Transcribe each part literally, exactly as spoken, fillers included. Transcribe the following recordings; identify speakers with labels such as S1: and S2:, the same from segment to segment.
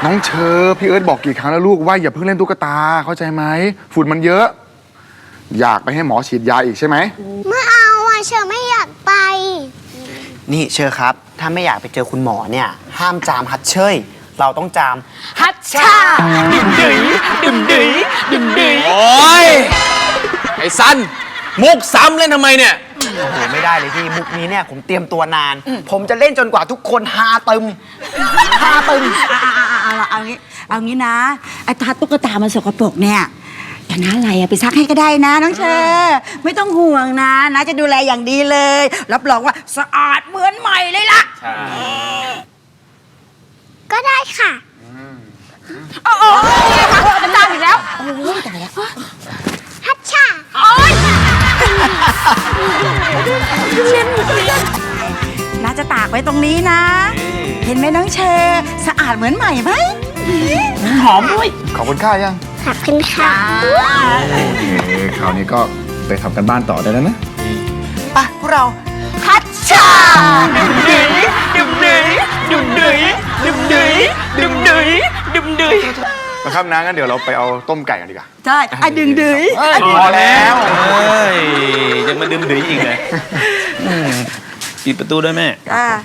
S1: น้องเชอพี่เอิร์ธบอกกี่ครั้งแล้วลูกว่าอย่าเพิ่งเล่นตุ๊กตาเข้าใจไหมฝุ่นมันเยอะอยากไปให้หมอฉีดยาอีกใช่ไหม
S2: ไม่เอาอ่ะเชอไม่อยากไป
S3: นี่เชอครับถ้าไม่อยากไปเจอคุณหมอเนี่ยห้ามจามฮัดเชยเราต้องจามฮัดชาดื่มดื่ยดื่มดื่ยดื่มดื่ย
S4: โอ้ยไอ้ซันมุกซ้ำเล่นทำไมเนี่ย
S3: โอ้โหไม่ได้เลยพี่มุกนี้เนี่ยผมเตรียมตัวนานผมจะเล่นจนกว่าทุกคนฮาตึมฮาตึม
S5: เอาเอาเอางี้เอางี้นะไอ้ตาตุ๊กตามันสกปรกเนี่ยอย่างนั้นอะไรอะไปซักให้ก็ได้นะน้องเชอไม่ต้องห่วงนะนะจะดูแลอย่างดีเลยรับรองว่าสะอาดเหมือนใหม่เลยล่ะ
S2: ก็ได้ค่ะ
S5: โอ้โหมันตามอีกแล้วโอ้ยตายแล้ว
S2: ฮัชชา
S5: โอ้ยเล่นมุกนี้น่าจะตากไว้ตรงนี้นะเห็นไหมน้องเชอสะอาดเหมือนใหม่ไหมหอมด้วย
S1: ขอบคุณค่ายัง
S2: ขอบคุณค่ะ
S1: คราวนี้ก็ไปทำกันบ้านต่อได้แล้วนะ
S3: ไปพวกเรา
S5: ฮัชชา
S3: ดื่มดื่ยดื่มดื่ยดื่มดื่ยดื่มดื่ยดื่มดื่ยดื่มดื่ย
S1: นะครับนะงั้นเดี๋ยวเราไปเอาต้มไก่กันดีกว่า
S5: ใช่ไอ้ดึงดืย
S1: พอแล้ว
S4: เฮ้ยยังมาดื่มดื่ยอีกเลยปิดประตูด้วยแม่
S5: อ่า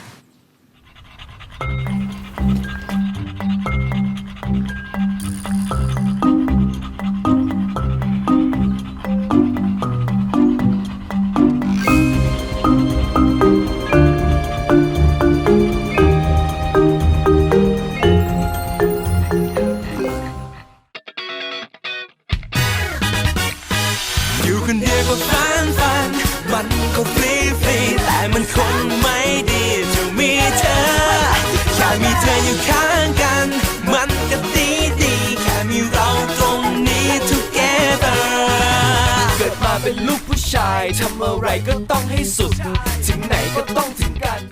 S6: อยู่คนเดียวก็ฟันฟันมันก็ฟรีฟรีแต่มันคงไม่ดีจะมีเธอแค่มีเธออยู่ข้างกันมันก็ดีดีแค่มีเราตรงนี้ together เกิดมาเป็นลูกผู้ชายทำอะไรก็ต้องให้สุดถึงไหนก็ต้องถึงกัน